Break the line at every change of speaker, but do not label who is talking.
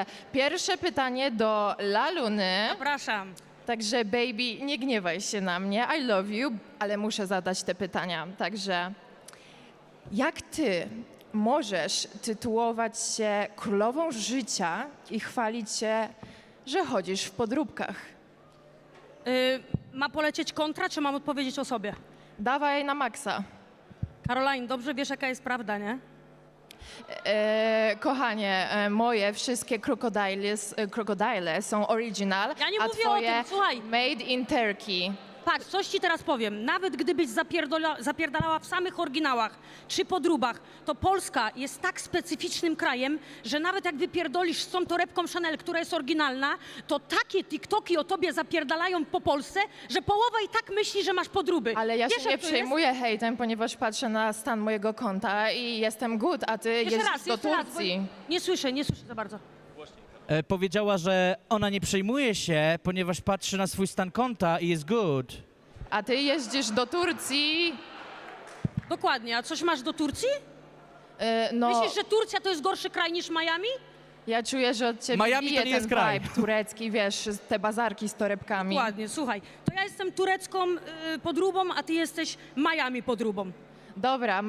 Także pierwsze pytanie do Laluny.
Zapraszam.
Także baby, nie gniewaj się na mnie, I love you, ale muszę zadać te pytania. Także jak ty możesz tytułować się królową życia i chwalić się, że chodzisz w podróbkach?
Ma polecieć kontra, czy mam odpowiedzieć o sobie?
Dawaj na maksa.
Caroline, dobrze wiesz, jaka jest prawda, nie?
Kochanie, moje wszystkie krokodyle są original,
Ja nie
a
mówię o
twoje
tym, słuchaj.
made in Turkey.
Patrz, coś ci teraz powiem. Nawet gdybyś zapierdalała w samych oryginałach czy podróbach, to Polska jest tak specyficznym krajem, że nawet jak wypierdolisz z tą torebką Chanel, która jest oryginalna, to takie TikToki o tobie zapierdalają po Polsce, że połowa i tak myśli, że masz podróby.
Ale ja
Wiesz,
się nie
jak to jest?
przejmuję hejtem, ponieważ patrzę na stan mojego konta i jestem good, a ty
Jeszcze
jeździsz
raz,
do
jeszcze raz, bo
Turcji.
nie słyszę za bardzo.
Powiedziała, że ona nie przejmuje się, ponieważ patrzy na swój stan konta i jest good.
A ty jeździsz do Turcji,
Dokładnie, a coś masz do Turcji?
no
Myślisz, że Turcja to jest gorszy kraj niż Miami?
ja czuję, że od ciebie
Miami to
bije
nie
ten
jest kraj.
vibe turecki, wiesz, te bazarki z torebkami.
Dokładnie, słuchaj, to ja jestem turecką podróbą, a ty jesteś Miami podróbą.
Dobra.